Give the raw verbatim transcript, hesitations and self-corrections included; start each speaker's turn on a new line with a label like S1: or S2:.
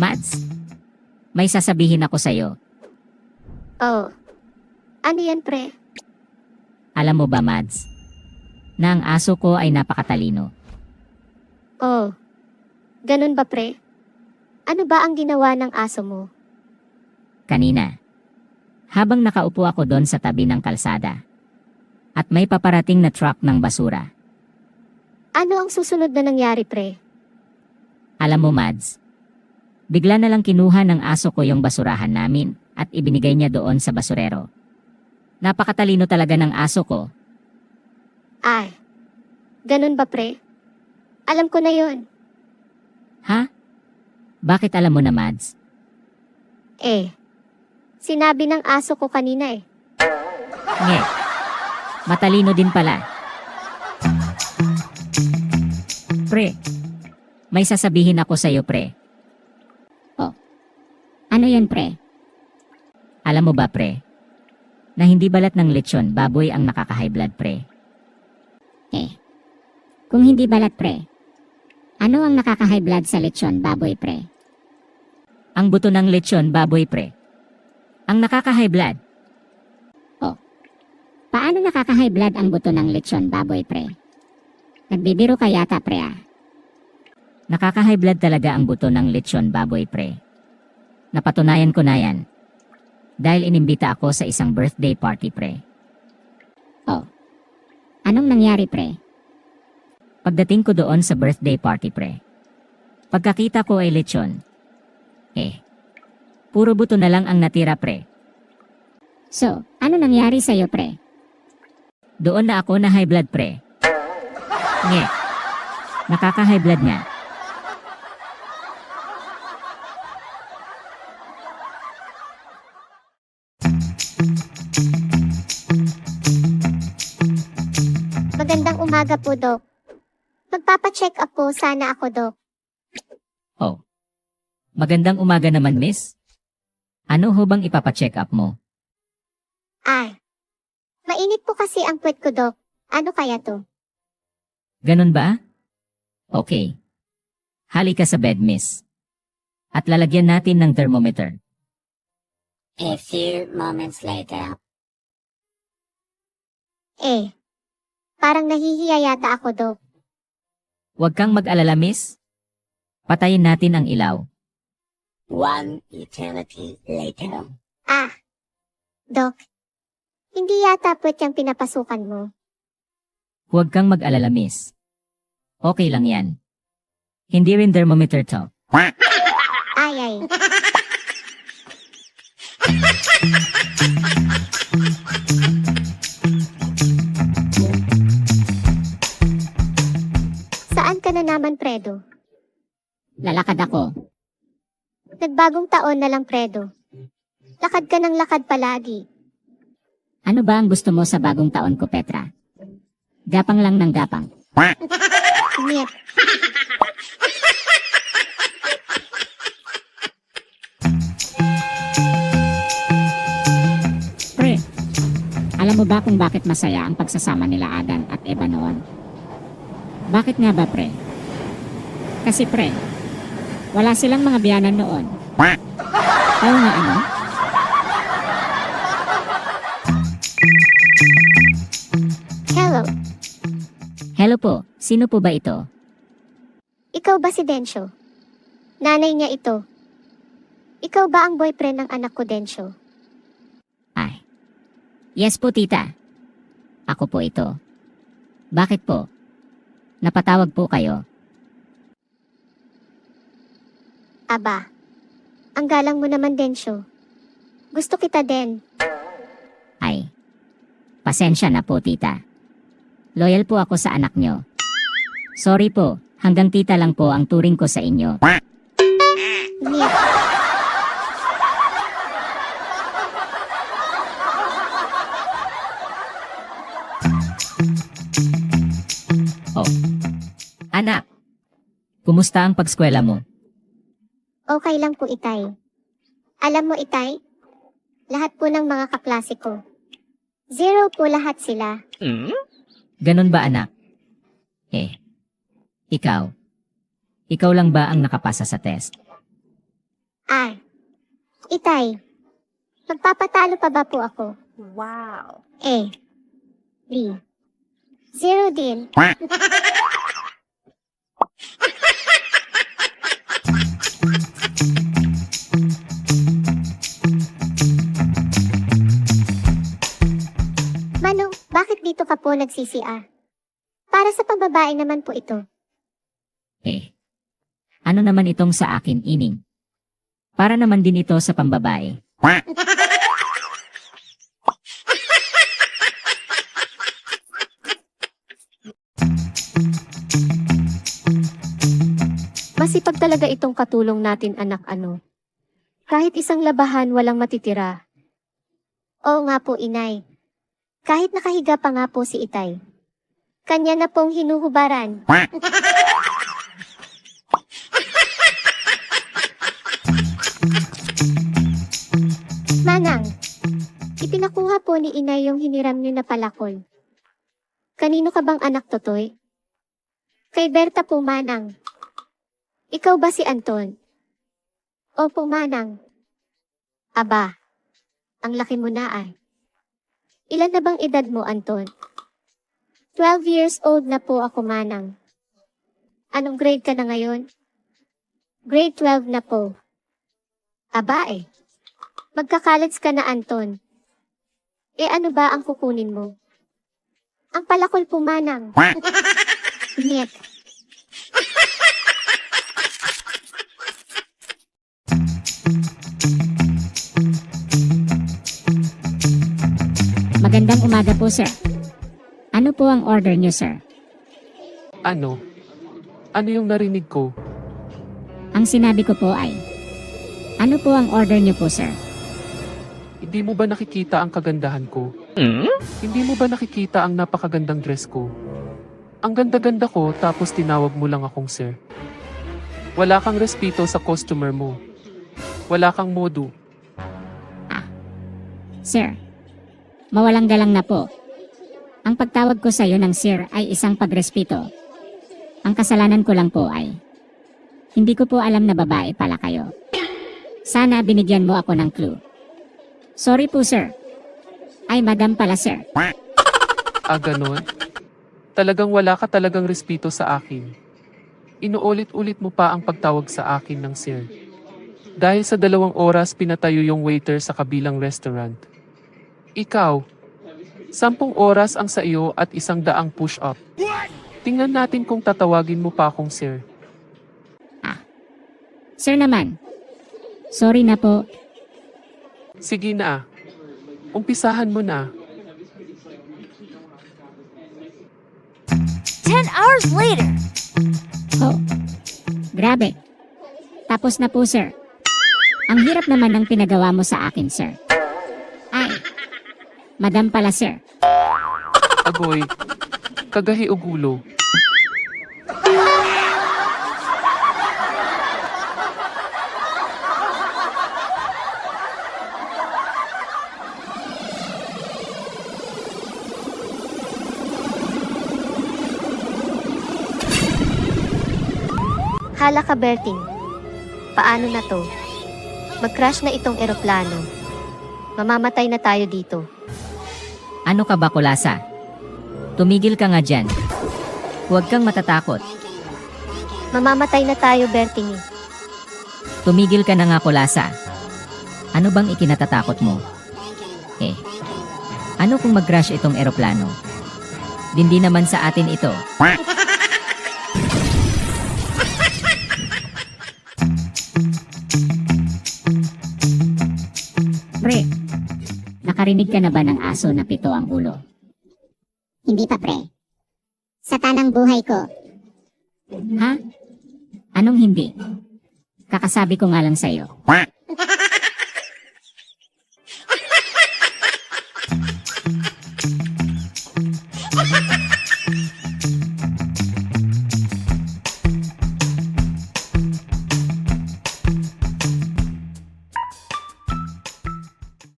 S1: Mads, may sasabihin ako sa'yo.
S2: Oh. Ano yan, pre?
S1: Alam mo ba, Mads, na ang aso ko ay napakatalino.
S2: Oh. Ganun ba, pre? Ano ba ang ginawa ng aso mo?
S1: Kanina, habang nakaupo ako doon sa tabi ng kalsada, at may paparating na truck ng basura.
S2: Ano ang susunod na nangyari, pre?
S1: Alam mo, Mads, bigla na lang kinuha ng aso ko yung basurahan namin at ibinigay niya doon sa basurero. Napakatalino talaga ng aso ko.
S2: Ay. Ganun ba, pre? Alam ko na yun.
S1: Ha? Bakit alam mo na, Mads?
S2: Eh. Sinabi ng aso ko kanina eh.
S1: Nge. Matalino din pala. Pre, may sasabihin ako sa'yo, pre.
S3: Oh. Ano yun, pre?
S1: Alam mo ba, pre, na hindi balat ng lechon baboy ang nakaka-high blood, pre?
S3: Eh. Kung hindi balat, pre, ano ang nakaka-high blood sa lechon baboy, pre?
S1: Ang buto ng lechon baboy, pre, ang nakaka-high blood.
S3: Paano nakaka-high blood ang buto ng lechon baboy, pre? Nagbibiro ka yata, pre, ah.
S1: Nakaka-high blood talaga ang buto ng lechon baboy, pre. Napatunayan ko na yan. Dahil inimbita ako sa isang birthday party, pre.
S3: Oh. Anong nangyari, pre?
S1: Pagdating ko doon sa birthday party, pre, pagkakita ko ay lechon. Eh, puro buto na lang ang natira, pre.
S3: So, ano nangyari sa'yo, pre?
S1: Doon na ako na high blood, pre. Nge. Nakaka-high blood nga.
S2: Magandang umaga po, Dok. Magpapacheck up po sana ako, Dok.
S1: Oh. Magandang umaga naman, miss. Ano ho bang ipapacheck up mo?
S2: Ay. Mainit po kasi ang puwet ko, Dok. Ano kaya to?
S1: Ganun ba? Okay. Halika sa bed, miss. At lalagyan natin ng thermometer.
S3: A few moments later.
S2: Eh. Parang nahihiya yata ako, Dok.
S1: Huwag kang mag-alala, miss. Patayin natin ang ilaw.
S3: One eternity later.
S2: Ah. Dok. Hindi yata puwet yung pinapasukan mo.
S1: Huwag kang mag-alala, miss. Okay lang yan. Hindi rin thermometer to.
S2: Ay, ay. Saan ka na naman, Predo?
S3: Lalakad ako.
S2: Nagbagong taon na lang, Predo. Lakad ka ng lakad palagi.
S3: Ano ba ang gusto mo sa bagong taon ko, Petra? Gapang lang ng gapang.
S2: Niet.
S3: Pre, alam mo ba kung bakit masaya ang pagsasama nila Adan at Eva noon? Bakit nga ba, pre? Kasi pre, wala silang mga biyanan noon. Oo nga, ano?
S2: Hello.
S1: Hello po, sino po ba ito?
S2: Ikaw ba si Densyo? Nanay niya ito. Ikaw ba ang boyfriend ng anak ko, Densyo?
S1: Ay. Yes po, tita. Ako po ito. Bakit po? Napatawag po kayo.
S2: Aba. Ang galang mo naman, Densyo. Gusto kita din.
S1: Ay. Pasensya na po, tita. Loyal po ako sa anak nyo. Sorry po, hanggang tita lang po ang turing ko sa inyo.
S2: Niet.
S1: Oh. Anak, kumusta ang pagskwela mo?
S2: Okay lang po, Itay. Alam mo, Itay, lahat po ng mga kaklase ko. Zero po lahat sila.
S1: Ganon ba, anak? Eh, ikaw? Ikaw lang ba ang nakapasa sa test?
S2: Ah, Itay, magpapatalo pa ba po ako?
S4: Wow.
S2: Eh, B. Zero din. Manong, bakit dito ka po nag-C C R? Para sa pambabae naman po ito.
S1: Eh, ano naman itong sa akin, ining? Para naman din ito sa pambabae.
S4: Masipag talaga itong katulong natin anak ano. Kahit isang labahan walang matitira.
S2: Oo nga po, inay. Kahit nakahiga pa nga po si Itay. Kanya na pong hinuhubaran. Manang, ipinakuha po ni inay yung hiniram niyo na palakol. Kanino ka bang anak, Totoy? Kay Berta po, Manang. Ikaw ba si Anton? Opo, Manang. Aba, ang laki mo na ay. Ilan na bang edad mo, Anton? Twelve years old na po ako, Manang. Anong grade ka na ngayon? Grade twelve na po. Aba eh. Magka-college ka na, Anton. Eh ano ba ang kukunin mo? Ang palakol po, Manang. Niet.
S3: Magandang umaga po, sir. Ano po ang order niyo, sir?
S5: Ano? Ano yung narinig ko?
S3: Ang sinabi ko po ay, ano po ang order niyo po, sir?
S5: Hindi mo ba nakikita ang kagandahan ko? Hindi mo ba nakikita ang napakagandang dress ko? Ang ganda-ganda ko tapos tinawag mo lang akong sir. Wala kang respeto sa customer mo. Wala kang modo.
S3: Sir, mawalang galang na po. Ang pagtawag ko sa iyo ng sir ay isang pagrespeto. Ang kasalanan ko lang po ay, hindi ko po alam na babae pala kayo. Sana binigyan mo ako ng clue. Sorry po, sir. Ay, madam pala, sir.
S5: Ah, ganon? Talagang wala ka talagang respeto sa akin. Inuulit-ulit mo pa ang pagtawag sa akin ng sir. Dahil sa dalawang oras pinatayo yung waiter sa kabilang restaurant. Ikaw, sampung oras ang sa iyo at isang daang push-up. Tingnan natin kung tatawagin mo pa akong sir.
S3: Sir naman. Sorry na po.
S5: Sige na. Umpisahan mo na.
S4: Ten hours later.
S3: Oh, grabe. Tapos na po, sir. Ang hirap naman ng pinagawa mo sa akin, sir. Ay, madam pala, sir.
S5: Agoy, kagahi o gulo.
S4: Hala ka, Berting. Paano na to? Mag-crash na itong eroplano. Mamamatay na tayo dito.
S1: Ano ka ba, Kulasa? Tumigil ka nga dyan. Huwag kang matatakot.
S4: Mamamatay na tayo, Berting.
S1: Tumigil ka na nga, Kulasa. Ano bang ikinatatakot mo? Eh, ano kung mag-crash itong eroplano? Hindi naman sa atin ito.
S3: Pre, nakarinig ka na ba ng aso na pito ang ulo?
S2: Hindi pa, pre. Sa tanang buhay ko.
S3: Ha? Anong hindi? Kakasabi ko nga lang sa'yo.